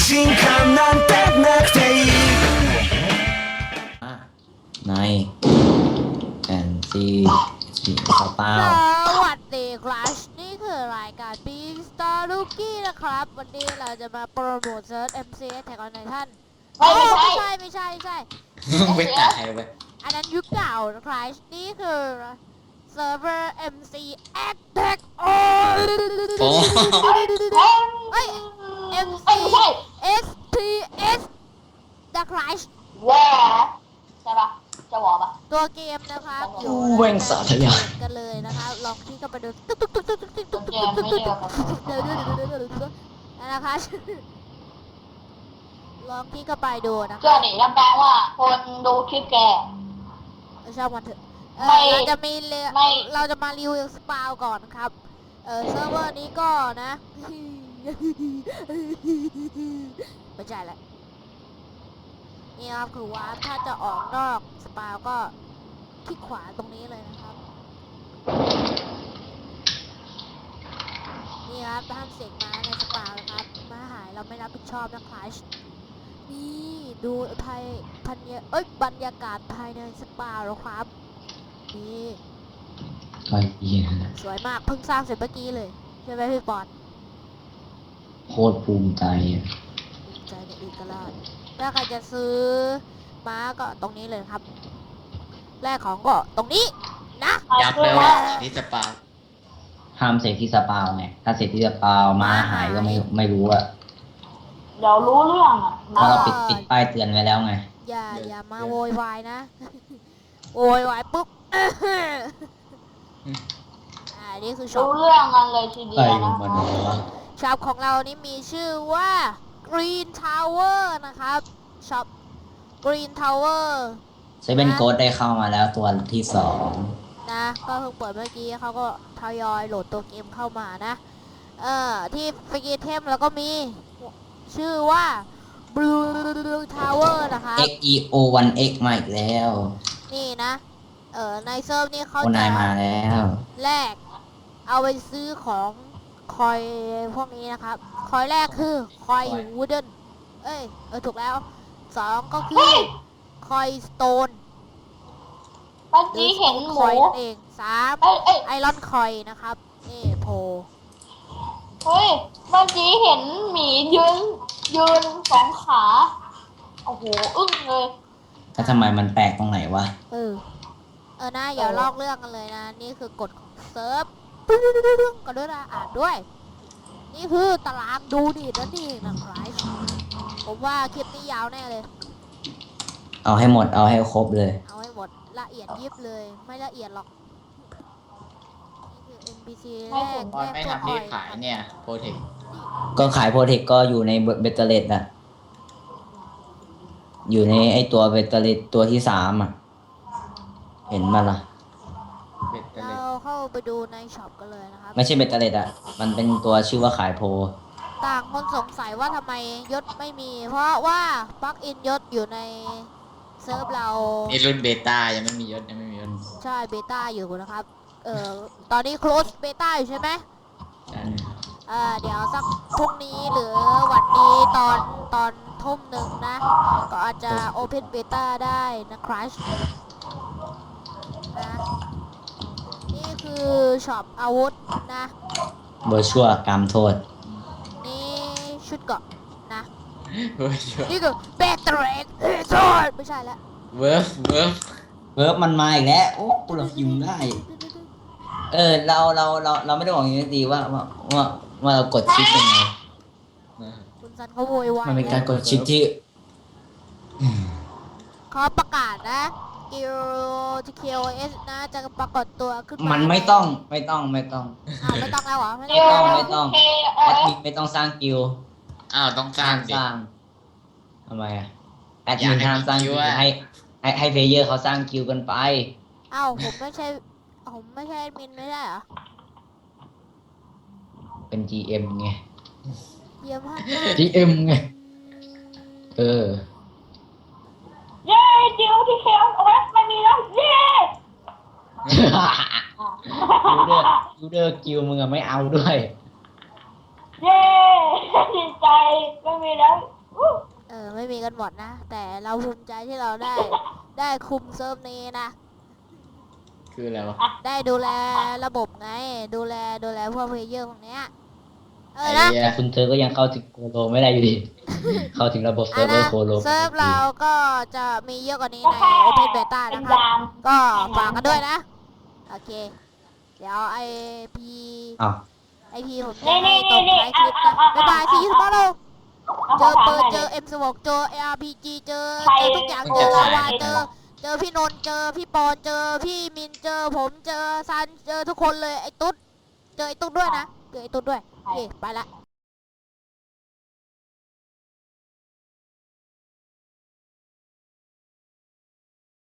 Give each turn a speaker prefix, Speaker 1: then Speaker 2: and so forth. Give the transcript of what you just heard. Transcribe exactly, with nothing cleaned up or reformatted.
Speaker 1: 信感なんてなくていい
Speaker 2: ในแอนซีสีสเปา
Speaker 3: สวัสดีครับนี่คือรายการ Big Star Rookie นะครับ วันนี้เราจะมาโปรโมทเซิร์ช เอ็ม ซี เอส แท็กออนไททัน
Speaker 4: ไม่ไม่ใช่
Speaker 3: ไม่ใช่ไม่ใช่
Speaker 2: ไปตายไป
Speaker 3: อันนั้นยุคเก่านะครับนี่คือเซิร์ฟเวอร์ เอ็ม ซี Attack on
Speaker 2: โอ้
Speaker 3: เฮ้ย เอ็ม ซี
Speaker 4: ไม่ใช่
Speaker 3: เอส ที เอส นะครับ
Speaker 4: แหวใช่ปะจะวอปะ
Speaker 3: ตัวเกมนะครับอยู่
Speaker 2: แว่งสาธยาย
Speaker 3: กันเลยนะครับลองที่เข้าไปดูตุ๊กตุ๊กตุ๊กตุ๊กตุ๊กตุ๊กตุ๊กตุ๊กตุ๊กตุ๊กเดี๋ยวเดี๋ยวเดี๋ยวเดี๋ยวเดี๋ยวนั่นนะคะลองที่เข้าไปดูนะ
Speaker 4: เชื่อดิรับรองว่าคนดูคลิปแก
Speaker 3: ชอบมันเถอะเอ
Speaker 4: ไม่
Speaker 3: อเราจะมีเร
Speaker 4: ไม่
Speaker 3: เราจะมารีวิวสปาวก่อนครับเออเซิร์ฟเวอร์นี้ก็นะไม่ใช่แหละนี่ครับคือว่าถ้าจะออกนอกสปาวก็คลิกขวาตรงนี้เลยนะครับ นี่ครับท่านเสกม้าในสปานะครับม้าหายเราไม่รับผิดชอบนะครับนี่ดูภายพันยเอ้ยบรรยากาศภายในสปาแล้วครับนี่
Speaker 2: ไปเหี้ย
Speaker 3: สวยมากเพิ่งสร้างเสร็จเมื่อกี้เลยใช่ไหมพี่ปอน
Speaker 2: โคตรภูมิใจอะ
Speaker 3: ภูมิใจในเอกราชถ้าใครจะซื้อม้าก็ตรงนี้เลยครับแรกของก็ตรงนี้นะ
Speaker 5: ยับเลยว่าที่สปา
Speaker 2: ห้ามเสกที่สเปาไงถ้าเสกที่สเปามาหายก็ไม่ไม่รู้อะ
Speaker 4: เดี๋ยวรู้เรื่องอ่ะ
Speaker 2: เพราะเราปิดปิดป้ายเตือนไว้แล้วไง
Speaker 3: อย่าอย่ามาโวยวายนะ โวยวายปุ๊บ อ่านี่คือช็อ
Speaker 4: รู้
Speaker 3: ป
Speaker 4: เรื่องกันเลยทีเดีย
Speaker 2: ไอ้
Speaker 4: วนะ
Speaker 2: มันวะ
Speaker 3: ช็อปของเรานี่มีชื่อว่า Green Tower นะครับช็อป Green Tower
Speaker 2: เซเว่นโกดได้เข้ามาแล้วตัวที่สอง
Speaker 3: นะก็เพิ่งเปิดเมื่อกี้เขาก็ทยอยโหลดตัวเกมเข้ามานะ เอ่อที่ฟรีเทมแล้วก็มีชื่อว่า Blue Tower นะครับ
Speaker 2: เอ็กอีโอวันเอ็กมาอีกแล้ว
Speaker 3: นี่นะ เอ่อในเซิร์ฟนี่เขา
Speaker 2: โอ
Speaker 3: จะ
Speaker 2: นายมาแล้ว
Speaker 3: แลกเอาไปซื้อของคอยพวกนี้นะครับ คอยแรกคือคอยวูดเดนเอ้ยเออถูกแล้วสองก็คือคอยสโตน
Speaker 4: เมื่อกี้เห็นห
Speaker 3: ค
Speaker 4: มู
Speaker 3: อยนั่นเองสาม
Speaker 4: เอ้ยเอ้ย
Speaker 3: ไอรอนคอยนะครับนี่โพ
Speaker 4: เฮ้ยเมื่อกี้เห็นหมียืนยืนสองขาโอ้โหอึ้งเลย
Speaker 2: แล้วทำไมมันแปลกตรงไหนวะ
Speaker 3: เออเออนะอย่าลอกเรื่องกันเลยนะ นี่คือกฎของเซิร์ฟก็ด้วยนะอ่านด้วย นี่คือตารางดูดินั่นเองนะครับผมว่าคลิปนี้ยาวแน่เลย
Speaker 2: เอาให้หมดเอาให้ครบเลย
Speaker 3: เอาให้หมดละเอียดยิบเลย ไม่ละเอียดหรอก นี่คือ เอ็น พี ซี แรก
Speaker 5: ตอน
Speaker 3: แร
Speaker 5: ไม่
Speaker 3: กตัว
Speaker 5: ทำที่
Speaker 3: อ่อย
Speaker 5: ขายเนี่ยโปรเทค
Speaker 2: ก็ขายโปรเทคก็อยู่ในเบตเตอร์เลดอะอยู่ในไอตัวเบตเตอร์เลดตัวที่สามอะเห็นมาละ
Speaker 5: เบ็ดเตอร์
Speaker 3: เรา
Speaker 5: เล็ด
Speaker 3: เข้าไปดูในช็อปกันเลยนะครับ
Speaker 2: ไม่ใช่เบตเตอร์เลดอะมันเป็นตัวชื่อว่าขายโพล
Speaker 3: ต่างคนสงสัยว่าทำไมยศไม่มี เพราะว่าปลั๊กอินยศอยู่ในเซิร์ฟเรา
Speaker 5: นี่รุ่นเบต้ายังไม่มียศยังไม่มียศ
Speaker 3: ใช่เบต้าอยู่นะครับ เอ่อ ตอนนี้ close เบต้าอยู่ใช่ไหม
Speaker 5: ใช่
Speaker 3: เอ่อ เดี๋ยวสักพรุ่งนี้หรือวันนี้ตอนตอนทุ่มหนึ่งนะ ก็อาจจะ open beta ได้นะครับนะนี่คือช็อปอาวุธนะ
Speaker 2: เบอร์ชัวกรรมโทษ
Speaker 3: นี่ชุดเกราะนะ
Speaker 5: เวิร์ฟ
Speaker 3: นี่คือเบตเรกโทษไม่ใช่แล้ว
Speaker 5: เวิร์ฟเวิร์ฟ
Speaker 2: เวิร์บมันมาอีกแล้ว โอ้กูเรายิงได้ เออ เราเราเราเราไม่ได้บอกอย่างนี้ดีว่าว่าว่าว่าเรากดชิปยังไง
Speaker 3: คุณซันเขาโวยวาย
Speaker 2: มันเป็นการกดชิปที่
Speaker 3: เขาประกาศนะกิโลทีเคโอเอสนะจะปรากฏตัวขึ้นมา
Speaker 2: มันไม่ต้องไม่ต้องไม่ต้อง
Speaker 3: อ้าวไม่ต้องแล้วเหรอไม่
Speaker 4: เดี๋
Speaker 3: ต้
Speaker 4: ย
Speaker 3: อ
Speaker 4: ว
Speaker 3: ง
Speaker 2: ไม่ต้อง
Speaker 4: เค
Speaker 2: แอดมินไม่ต้องสร้างกิลด์
Speaker 5: อ้าวต้องสร้างดิ
Speaker 2: สร้างทำไมอะแอด
Speaker 5: อยา
Speaker 2: มิ
Speaker 5: ก
Speaker 2: น
Speaker 5: ให้
Speaker 2: ห้ามสร้าง
Speaker 5: มี
Speaker 2: กิ
Speaker 5: กิ
Speaker 2: ล
Speaker 5: ลด์
Speaker 2: ด์
Speaker 5: อะ
Speaker 2: ให้ให้ให้เพลเยอร์เขาสร้างกิลด์กันไป
Speaker 3: อ้าวผมไม่ใช่ผมไม่ใช่แอดมินไม่ได้เหรอ
Speaker 2: เป็น จี เอ็ม ไง
Speaker 3: เยี่ยมมาก
Speaker 2: จี เอ็ม ไง เออ
Speaker 4: เย้จิ๋วที่เคเอาไว้ไม่มีแล้วเย้
Speaker 2: ยูเดอร์ยูเดอร์กิลด์มึงอะไม่เอาด้วย
Speaker 4: เย้ดีใจไม่มีแล้ว
Speaker 3: อไม่มีกันหมดนะ แต่เราภูมิใจที่เราได้ ได้คุมเซิร์ฟนี้นะ
Speaker 5: คืออะไรวะ
Speaker 3: ได้ดูแลระบบไง ดูแลดูแลพวกเพลเยอร์พวกเนี้ยเออ
Speaker 5: ไอ้
Speaker 3: นะ
Speaker 5: เหี้ย
Speaker 2: แต่คุณเธอก็ยังเข้าถึงโคโลไม่ได้อยู่ดี เข้าถึงระบบเซิ
Speaker 3: อั
Speaker 2: ร์
Speaker 3: น
Speaker 2: ฟเวอ
Speaker 3: นะ
Speaker 2: ร์โคโล
Speaker 3: เซิร์ฟเราก็จะมีเยอะกว่านี้
Speaker 4: ก็
Speaker 3: ใน
Speaker 4: แค่
Speaker 3: Open Beta
Speaker 4: เป็น
Speaker 3: นะครับ
Speaker 4: ยาม
Speaker 3: ก็ฝากกันด้วยนะ โอเค เดี๋ยวไอพี
Speaker 2: อ้าว
Speaker 3: ไอพีผม
Speaker 4: นี่
Speaker 3: จะให้
Speaker 4: นี่
Speaker 3: ตร
Speaker 4: นี่
Speaker 3: ง
Speaker 4: นี่
Speaker 3: ท้ายคลิปนะ บ๊ายบายซีสปอร์โล
Speaker 4: เอา
Speaker 3: เจ
Speaker 4: ภา
Speaker 3: อ
Speaker 4: ษา
Speaker 3: ปืน
Speaker 4: ไทย
Speaker 3: เจ
Speaker 4: ดิ
Speaker 3: อ เอ็ม สิบหก เจอ เอ อาร์ พี จี เจอ
Speaker 4: ใคร
Speaker 3: เจอทุกอย่าง เจอลาวา เจอ เจอพี่นนท์เจอพี่ปอน เจอพี่มิน เจอผม เจอซัน เจอทุกคนเลย ไอ้ตุ๊ด เจอไอ้ตุ๊ดด้วยนะ เจอไอ้ตุ๊ดด้วย โอเค ไปละ